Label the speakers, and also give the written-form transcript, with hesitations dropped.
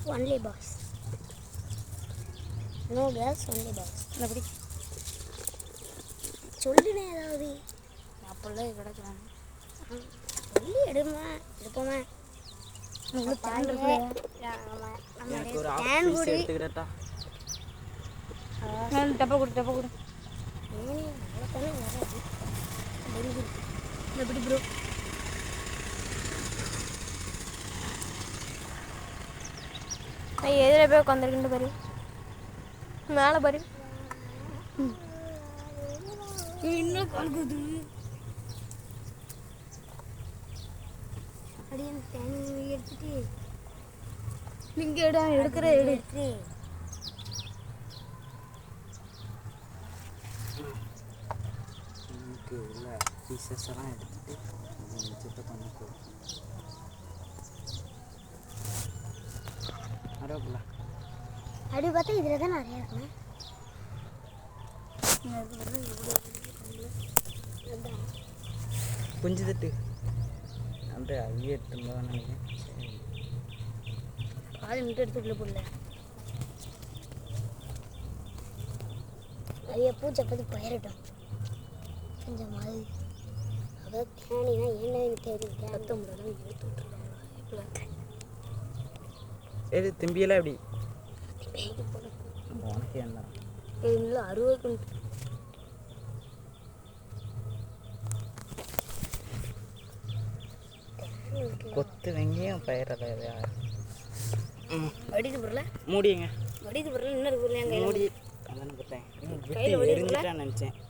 Speaker 1: Only boys. No girls, only boys.
Speaker 2: எப்படி
Speaker 1: சொல்லுனே ஏதாவது
Speaker 2: அப்போல்லாம் கிடக்குறாங்க.
Speaker 1: சொல்லி எடுப்போமா.
Speaker 2: டப்பா கொடு எப்படி ப்ரோ நான் எதில் போய் உட்காந்துருக்குன்னு பாரு, மேலே பாரு. இன்னும் கலக்குது.
Speaker 1: அப்படியே தேனி எடுத்துட்டு
Speaker 2: இங்கே எடுக்கிற
Speaker 1: எடுத்து
Speaker 3: உள்ள பீசஸ் எல்லாம் எடுத்துட்டு மிச்சத்தை பண்ணிக்கோ. அரோப்ல
Speaker 1: அப்படி பார்த்தா இதில் தான் நிறையா இருக்குண்ணா.
Speaker 3: குஞ்சு தட்டு அந்த ஐயே எடுத்துருந்தா நினைக்கிறேன்.
Speaker 1: பாதி மட்டும் எடுத்துக்குள்ள போடல. அது பூச்சை பற்றி பயிரிட்டோம் கொஞ்சம் மாதிரி. அதாவது தேனினா என்ன தெரியும், ரத்த முறைலாம் எடுத்து விட்டுருக்காங்க.
Speaker 3: எது திம்பியெல்லாம் எப்படி உனக்கு என்ன
Speaker 1: இல்லை 60
Speaker 3: கொத்து வெங்காயம் பயிரலை யார்
Speaker 1: வடிது பொருளை
Speaker 3: மூடிங்க.
Speaker 1: வடிது பொருள் இன்னொரு பொருள் எங்கள்
Speaker 3: மூடி அதானே போட்டேன். விட்டு எரிஞ்சிட்டான்னு நினச்சேன்.